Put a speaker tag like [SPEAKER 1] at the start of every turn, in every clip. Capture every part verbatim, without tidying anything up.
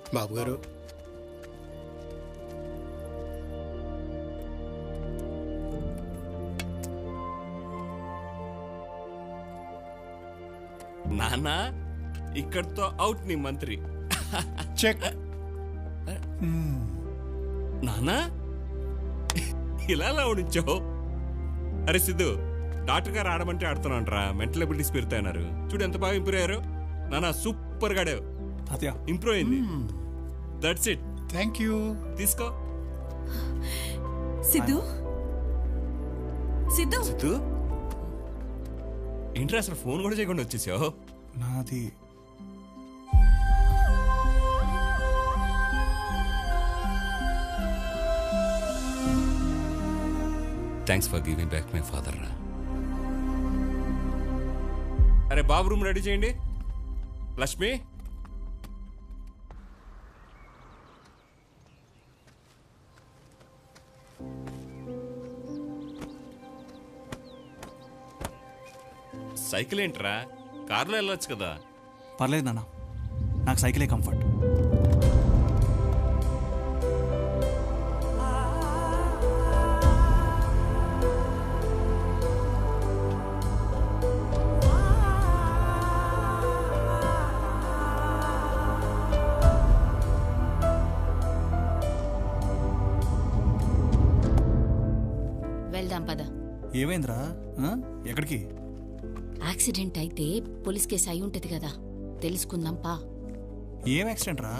[SPEAKER 1] బాబు గారు,
[SPEAKER 2] నానా ఇక్కడితో అవుట్ నీ మంత్రి.
[SPEAKER 3] చెక్.
[SPEAKER 2] నానా ఇలా ఉంచావు. అరే సిద్ధు, డాక్టర్ గారు ఆడమంటే ఆడుతున్నాంట్రా, మెంటల్ అబిలిటీస్ పెరుగుతాయన్నారు. చూడు ఎంత బాగా ఇంప్రూవ్ అయ్యారు. నానా సూపర్ గాడే, ఇంప్రూవ్ అయింది. That's it.
[SPEAKER 3] Thank you.
[SPEAKER 2] తీసుకో.
[SPEAKER 4] సిద్ధు సిద్ధు
[SPEAKER 2] సిద్ధు ఏంట్రా అసలు ఫోన్ కూడా చేయకుండా వచ్చేసావు?
[SPEAKER 3] నాది
[SPEAKER 2] thanks for giving back my father రా. అరే బాబు రూమ్ రెడీ చేయండి. లక్ష్మి, సైకిల్ ఏంట్రా, కార్లో వెళ్ళొచ్చు కదా.
[SPEAKER 5] పర్లేదు నాన్న, నాకు సైకిలే కంఫర్ట్.
[SPEAKER 6] వెళ్దాం పద.
[SPEAKER 5] ఏమైందిరా? ఎక్కడికి?
[SPEAKER 6] యాక్సిడెంట్ అయితే పోలీస్ కేసు అయి ఉంటది కదా, తెలుసుకుందాం పా.
[SPEAKER 5] ఏం యాక్సిడెంట్ రా?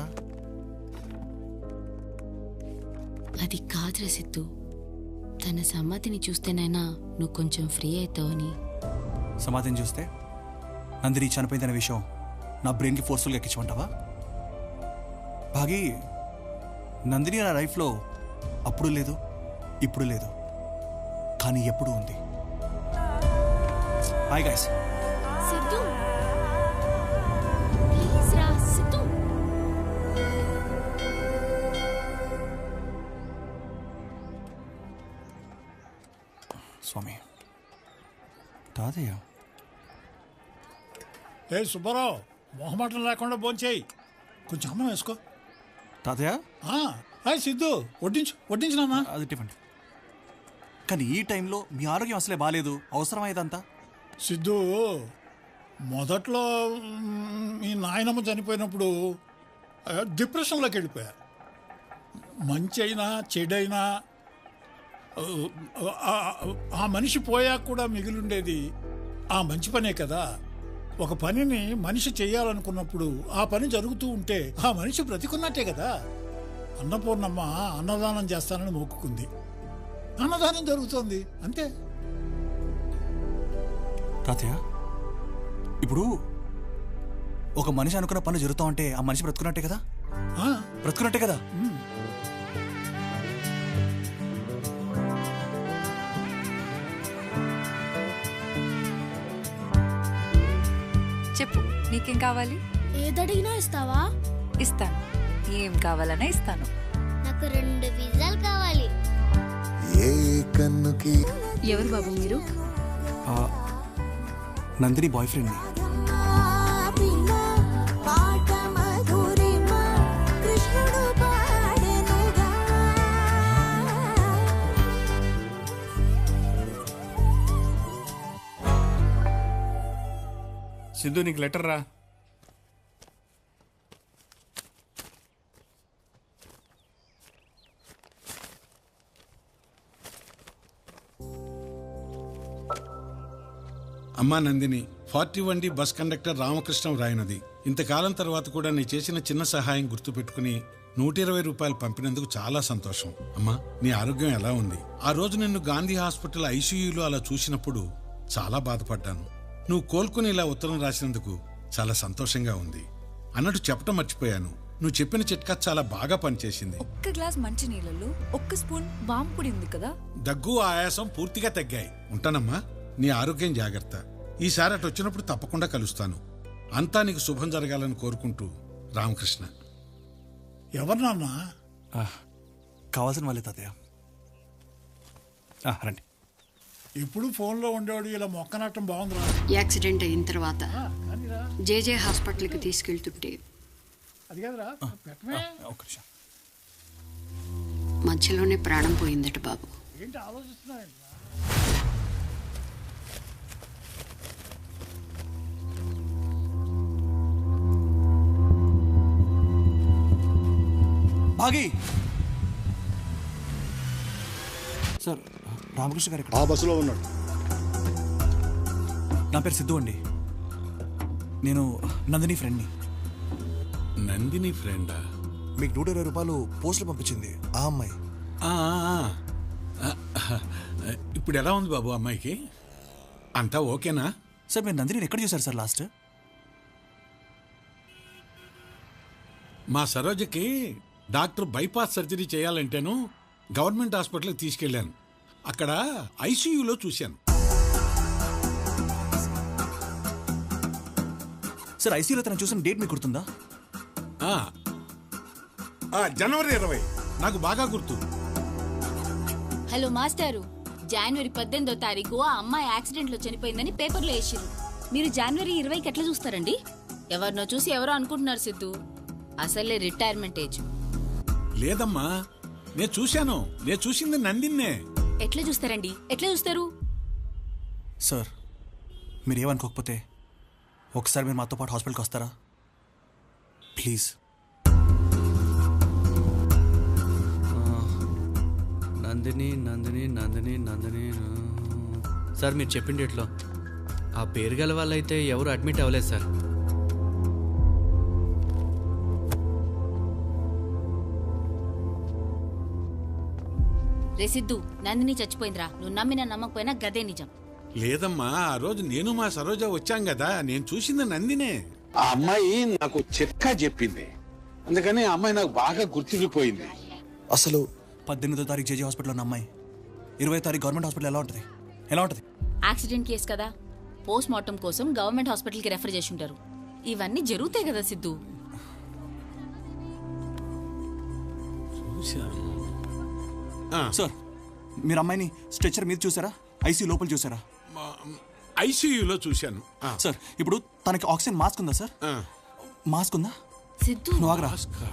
[SPEAKER 6] అది కాదురా సిద్ధు, తన సమాధిని చూస్తేనైనా నువ్వు కొంచెం ఫ్రీ అవుతావని.
[SPEAKER 5] సమాధిని చూస్తే నందిని చనిపోయిందనే విషయం నా బ్రెయిన్కి ఫోర్స్ఫుల్గా ఎక్కించమంటావా? భాగి, నందిని నా లైఫ్లో అప్పుడు లేదు, ఇప్పుడు లేదు, కానీ ఎప్పుడు ఉంది. Hi guys.
[SPEAKER 6] సిద్ధు ప్లీజ్ రా. సిద్ధు
[SPEAKER 5] స్వామి, తాతయ్య.
[SPEAKER 3] ఏ సుబ్బారావు, మొహమాటం లేకుండా భోంచేయి. కొంచెం అన్నం వేసుకో.
[SPEAKER 5] తాతయ్య.
[SPEAKER 3] హాయ్ సిద్ధు, వడ్డించు వడ్డించు నాన్న.
[SPEAKER 5] అది ఇవ్వండి. కానీ ఈ టైంలో మీ ఆరోగ్యం అసలే బాగాలేదు, అవసరమా ఇదంతా?
[SPEAKER 3] సిద్ధు, మొదట్లో మీ నాయనమ్మ చనిపోయినప్పుడు డిప్రెషన్లోకి వెళ్ళిపోయారు. మంచి అయినా చెడైనా ఆ మనిషి పోయాక కూడా మిగిలిండేది ఆ మంచి పనే కదా. ఒక పనిని మనిషి చేయాలనుకున్నప్పుడు ఆ పని జరుగుతూ ఉంటే ఆ మనిషి బ్రతికున్నట్టే కదా. అన్నపూర్ణమ్మ అన్నదానం చేస్తానని మొక్కుకుంది, అన్నదానం జరుగుతోంది, అంతే.
[SPEAKER 5] తాతయ్య, ఇప్పుడు ఒక మనిషి అనుకున్న పనులు జరుగుతూ ఉంటే ఆ మనిషి బ్రతుకున్నట్టే కదా? బ్రతుకున్నట్టే కదా?
[SPEAKER 4] చెప్పు, నీకేం కావాలి?
[SPEAKER 7] ఏదడిగినా ఇస్తావా?
[SPEAKER 4] ఇస్తాను. ఏం కావాలన్నా ఇస్తాను.
[SPEAKER 7] నాకు రెండు పిజ్జాలు కావాలి.
[SPEAKER 6] ఎవరు బాబు మీరు?
[SPEAKER 5] Nandini boy friend.
[SPEAKER 2] సిద్ధు, నీకు లెటర్ రా.
[SPEAKER 8] అమ్మా Nandini, forty one D bus conductor Ramakrishnam రాయనది. ఇంతకాలం తర్వాత కూడా నీ చేసిన చిన్న సహాయం గుర్తుపెట్టుకుని నూట ఇరవై రూపాయలు పంపినందుకు చాలా సంతోషం. అమ్మా, నీ ఆరోగ్యం ఎలా ఉంది? ఆ రోజు నిన్ను గాంధీ హాస్పిటల్ ఐసీయూలో అలా చూసినప్పుడు చాలా బాధపడ్డాను. నువ్వు కోలుకుని ఇలా ఉత్తరం రాసినందుకు చాలా సంతోషంగా ఉంది. అన్నట్టు చెప్పటం మర్చిపోయాను, నువ్వు చెప్పిన చిట్కా చాలా బాగా పనిచేసింది.
[SPEAKER 4] ఒక్క గ్లాస్ మంచి నీళ్ళలో ఒక్క స్పూన్ వాము పొడి ఉంది కదా.
[SPEAKER 8] దగ్గు, ఆయాసం పూర్తిగా తగ్గాయి. ఉంటానమ్మా, నీ ఆరోగ్యం జాగ్రత్త. ఈసారి అటు వచ్చినప్పుడు తప్పకుండా కలుస్తాను. అంతా నీకు శుభం జరగాలని కోరుకుంటూ రామకృష్ణ.
[SPEAKER 3] ఎవరు నాన్న?
[SPEAKER 5] కావాల్సిన వాళ్ళే తాతయ్య. రండి.
[SPEAKER 3] ఇప్పుడు ఫోన్లో ఉండేవాడు ఇలా మొక్కనట్టం బాగుందిరా.
[SPEAKER 9] యాక్సిడెంట్ అయిన తర్వాత జేజే హాస్పిటల్కి తీసుకెళ్తుంటే
[SPEAKER 3] అది కాదురా పెట్టమే.
[SPEAKER 5] ఒక్క నిమిషం.
[SPEAKER 1] మధ్యలోనే ప్రాణం పోయిందట బాబు.
[SPEAKER 3] ఏంటి ఆలోచిస్తున్నావు?
[SPEAKER 5] భాగి సార్, రామకృష్ణ గారు ఇక్కడ.
[SPEAKER 9] ఆ బస్సులో ఉన్నాడు.
[SPEAKER 5] నా పేరు సిద్ధు అండి. నేను నందిని ఫ్రెండ్ని.
[SPEAKER 8] నందిని ఫ్రెండా?
[SPEAKER 9] మీకు నూట ఇరవై రూపాయలు పోస్టులు పంపించింది ఆ అమ్మాయి.
[SPEAKER 8] ఆ, ఆ, ఆ. ఇప్పుడు ఎలా ఉంది బాబు అమ్మాయికి? అంతా ఓకేనా?
[SPEAKER 5] సార్ మీరు నందిని ఎక్కడ చూసారు సార్ లాస్ట్?
[SPEAKER 8] మా సరోజకి డాక్టర్ బైపాస్ సర్జరీ చేయాలంటేను గవర్నమెంట్ హాస్పిటల్కి తీసుకెళ్ళాను. అక్కడ ఐసీయూలో చూశాను.
[SPEAKER 5] సార్ ఐసీయూలో తను చూసిన డేట్ మీకు గుర్తుందా?
[SPEAKER 8] ఆ, ఆ, జనవరి ఇరవై నాకు బాగా గుర్తు.
[SPEAKER 6] హలో మాస్టారు, జనవరి పద్దెనిమిదో తారీఖు ఆ అమ్మాయి యాక్సిడెంట్ లో చనిపోయిందని పేపర్లో వేసిరు. మీరు జనవరి ఇరవైకి ఎట్లా చూస్తారండి? ఎవరినో చూసి ఎవరో అనుకుంటున్నారు సిద్ధు. అసలే రిటైర్మెంట్ ఏజ్.
[SPEAKER 8] లేదమ్మా, నేను చూశాను. నేను చూసింది నందిన్నే.
[SPEAKER 6] ఎట్లా చూస్తారండి? ఎట్లా చూస్తారు?
[SPEAKER 5] సార్ మీరేమనుకోకపోతే ఒకసారి మీరు మాతో పాటు హాస్పిటల్కి వస్తారా ప్లీజ్?
[SPEAKER 10] నందిని నందిని నందిని నందిని సార్ మీరు చెప్పిన డేట్లో ఆ పేరు గల వాళ్ళైతే ఎవరు అడ్మిట్ అవ్వలేదు సార్.
[SPEAKER 6] రే సిద్ధు, నందిని చచ్చిపోయిందిరా. నువ్వు నమ్మినా నమ్మకపోయినా గదే నిజం.
[SPEAKER 8] లేదమ్మా, ఆ రోజు నేను మా సరోజ వచ్చాం కదా, నేను చూసింది నందినే.
[SPEAKER 11] ఆ అమ్మాయి నాకు చిట్కా చెప్పింది, అందుకని ఆ అమ్మాయి నాకు బాగా గుర్తుండిపోయింది.
[SPEAKER 9] అసలు
[SPEAKER 5] పద్దెనిమిదో తారీఖు జేజీ హాస్పిటల్లో ఉన్న అమ్మాయి ఇరవై తారీఖు గవర్నమెంట్ హాస్పిటల్ ఎలా ఉంటుంది? ఎలా ఉంటుంది?
[SPEAKER 6] యాక్సిడెంట్ కేసు కదా, పోస్ట్ మార్టం కోసం గవర్నమెంట్ హాస్పిటల్కి రెఫర్ చేసి ఉంటారు. ఇవన్నీ జరుగుతాయి కదా సిద్ధు.
[SPEAKER 5] సార్ మీరు అమ్మాయిని స్ట్రెచర్ మీద చూసారా? ఐసీ లోపల చూసారా?
[SPEAKER 8] ఐసీయూలో చూశాను. ఆ,
[SPEAKER 5] సార్ ఇప్పుడు తనకి ఆక్సిజన్ మాస్క్ ఉందా సార్?
[SPEAKER 8] ఆ.
[SPEAKER 5] మాస్క్ ఉందా?
[SPEAKER 6] సిద్ధు
[SPEAKER 5] నువ్వు ఆగరా.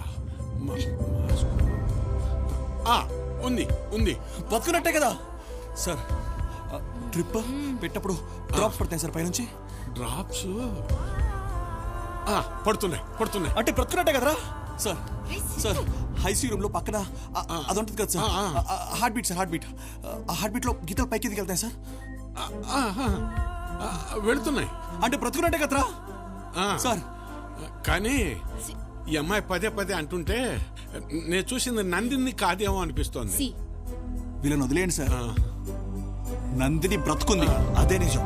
[SPEAKER 8] ఆ, ఉంది ఉంది.
[SPEAKER 5] బతుకున్నట్టే కదా సార్. ట్రిప్ పెట్టప్పుడు డ్రాప్స్ పడతాయి సార్ పైనుంచి.
[SPEAKER 8] డ్రాప్స్ పడుతున్నాయి పడుతున్నాయి
[SPEAKER 5] అంటే బ్రతుకున్నట్టే కదరా సార్. సార్ ఐసీ రూమ్ లో పక్కన అది ఉంటుంది కదా sir, heart beat sir. Heart beat ఆ హార్ట్ బీట్ లో గీతలు పైకి ఎదిగి వెళ్తాయి సార్.
[SPEAKER 8] వెళుతున్నాయి
[SPEAKER 5] అంటే బ్రతుకున్నట్టే కదరా సార్.
[SPEAKER 8] కానీ ఈ అమ్మాయి పదే పదే అంటుంటే నేను చూసింది నందిని కాదేమో అనిపిస్తోంది.
[SPEAKER 6] సి
[SPEAKER 5] వీళ్ళని వదిలేయండి సార్. నందిని బ్రతుకుంది, అదే నిజం.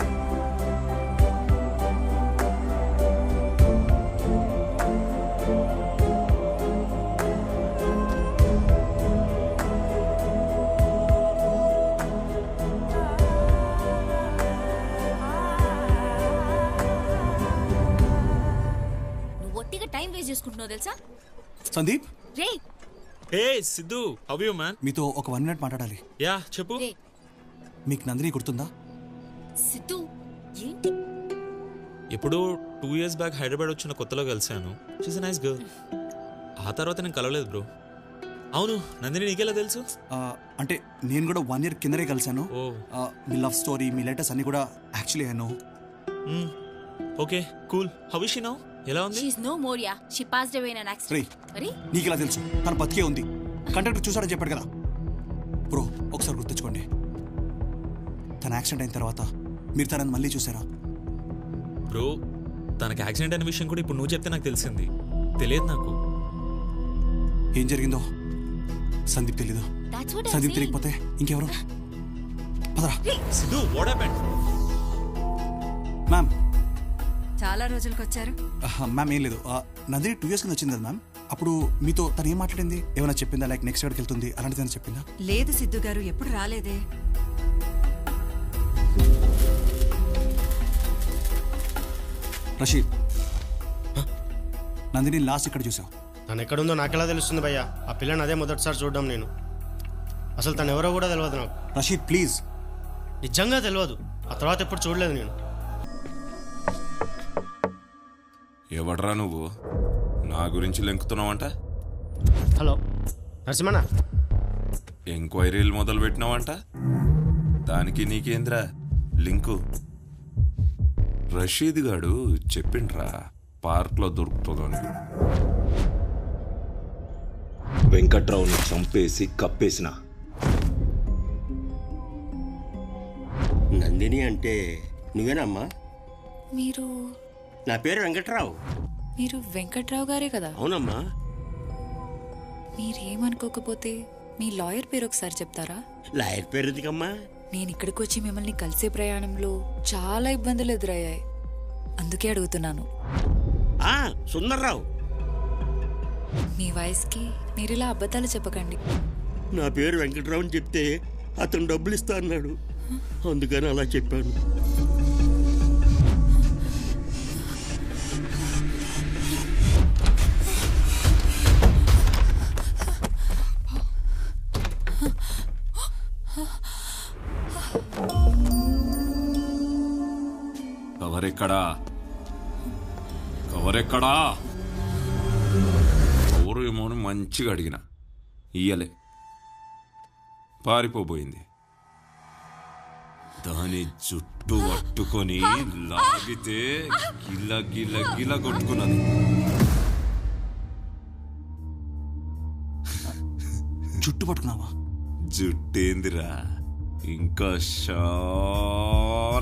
[SPEAKER 6] నువ్వు ఒట్టిగా టైం వేస్ట్ చేసుకుంటున్నావు తెలుసా?
[SPEAKER 5] సందీప్,
[SPEAKER 6] రే
[SPEAKER 12] hey Siddhu, how you man?
[SPEAKER 5] మీతో ఒక వన్ మినిట్ మాట్లాడాలి.
[SPEAKER 12] యా చెప్పు.
[SPEAKER 6] రే
[SPEAKER 5] మీకు నందిని గుర్తుందా?
[SPEAKER 6] సిద్ధు ఏంటి?
[SPEAKER 12] ఇప్పుడు టూ ఇయర్స్ బ్యాక్ హైదరాబాద్ వచ్చిన కొత్తలో కలిసాను. She's a nice girl. ఆ తర్వాత నేను కలవలేదు బ్రో. అవును, నందిని నీకెలా తెలుసు?
[SPEAKER 5] ఆ, అంటే నేను కూడా వన్ ఇయర్ కిందనే కలిసాను.
[SPEAKER 12] ఓ
[SPEAKER 5] ఆ, మీ లవ్ స్టోరీ, మీ లెటర్స్ అన్ని కూడా actually I know.
[SPEAKER 12] Okay cool. How is she now? ఎలా ఉంది?
[SPEAKER 6] She is no more yeah. She passed away in an
[SPEAKER 5] రే,
[SPEAKER 6] accident. అరే
[SPEAKER 5] నీకు ఇలా తెలుసు? తను బతికే ఉంది. కండక్టర్ చూసాడని చెప్పాడు కదా బ్రో. ఒకసారి గుర్తుంచుకోండి, తన యాక్సిడెంట్ అయిన తర్వాత మీరు తనని మళ్ళీ చూసారా?
[SPEAKER 12] బ్రో తనకి యాక్సిడెంట్ అనే విషయం కూడా ఇప్పుడు నువ్వు చెప్తే నాకు తెలిసింది. తెలియదు నాకు
[SPEAKER 5] ఏం జరిగిందో. సందీప్ తెలీదు.
[SPEAKER 6] that's what I'm
[SPEAKER 5] Sandeep
[SPEAKER 6] saying.
[SPEAKER 5] తెలియకపోతే ఇంకెవరు? పదరా.
[SPEAKER 12] Siddhu, what happened?
[SPEAKER 5] మ్యామ్.
[SPEAKER 13] చాలా రోజులకు వచ్చారు.
[SPEAKER 5] మ్యామ్ ఏం లేదు, ఆ, నందిని టూ ఇయర్స్ కింద వచ్చింది కదా మ్యామ్. అప్పుడు మీతో తను ఏం మాట్లాడింది? ఏమైనా చెప్పిందా? లైక్ నెక్స్ట్ ఎక్కడికి వెళ్తుంది అలాంటిది ఏమైనా చెప్పిందా?
[SPEAKER 13] లేదు సిద్ధు గారు, ఎప్పుడు రాలేదే.
[SPEAKER 5] రషీద్, నందిని లాస్ట్ ఇక్కడ చూసావు.
[SPEAKER 14] తను ఎక్కడుందో నాకెలా తెలుస్తుంది భయ్యా? ఆ పిల్లని అదే మొదటిసారి చూడడం నేను. అసలు తను ఎవరో కూడా తెలియదు నాకు.
[SPEAKER 5] రషీద్ ప్లీజ్.
[SPEAKER 14] నిజంగా తెలియదు. ఆ తర్వాత ఎప్పుడు చూడలేదు నేను.
[SPEAKER 2] ఎవడ్రా నువ్వు?
[SPEAKER 15] నా గురించి లెంకుతున్నావంట?
[SPEAKER 14] హలో నరసింహనా,
[SPEAKER 15] ఎంక్వైరీలు మొదలు పెట్టినావంట? దానికి నీకేంద్రా లింకు? రషీద్ గాడు చెప్పిండ్రా పార్క్లో దొరుకుతుందని.
[SPEAKER 16] వెంకట్రావుని చంపేసి కప్పేసిన నందిని అంటే నువ్వేనమ్మా?
[SPEAKER 4] మీరు
[SPEAKER 16] నా పేరు వెంకట్రావు.
[SPEAKER 4] మీరు వెంకట్రావు గారే కదా?
[SPEAKER 16] అవునమ్మా.
[SPEAKER 4] మీరేమనుకోకపోతే మీ లాయర్ పేరు ఒకసారి చెప్తారా?
[SPEAKER 16] లాయర్ పేరు ఎందుకమ్మా?
[SPEAKER 4] నేను ఇక్కడికి వచ్చి మిమ్మల్ని కలిసే ప్రయాణంలో చాలా ఇబ్బందులు ఎదురయ్యాయి, అందుకే అడుగుతున్నాను.
[SPEAKER 16] ఆ సుందర్రావు.
[SPEAKER 4] మీ వయసుకి మీరు ఇలా అబద్ధాలు చెప్పకండి.
[SPEAKER 16] నా పేరు వెంకట్రావు అని చెప్తే అతను డబ్బులు ఇస్తా అన్నాడు, అందుకని అలా చెప్పాను.
[SPEAKER 15] కవరెక్కడా? కవరెక్కడా? కవరు ఏమో అని మంచిగా అడిగిన ఇయ్యలే, పారిపోబోయింది. దాని జుట్టు పట్టుకొని లాగితే గిల్ల గిల్ల గిల్ల కొట్టుకున్నది.
[SPEAKER 5] జుట్టు పట్టుకున్నావా?
[SPEAKER 15] జుట్టేందిరా, ఇంకా షా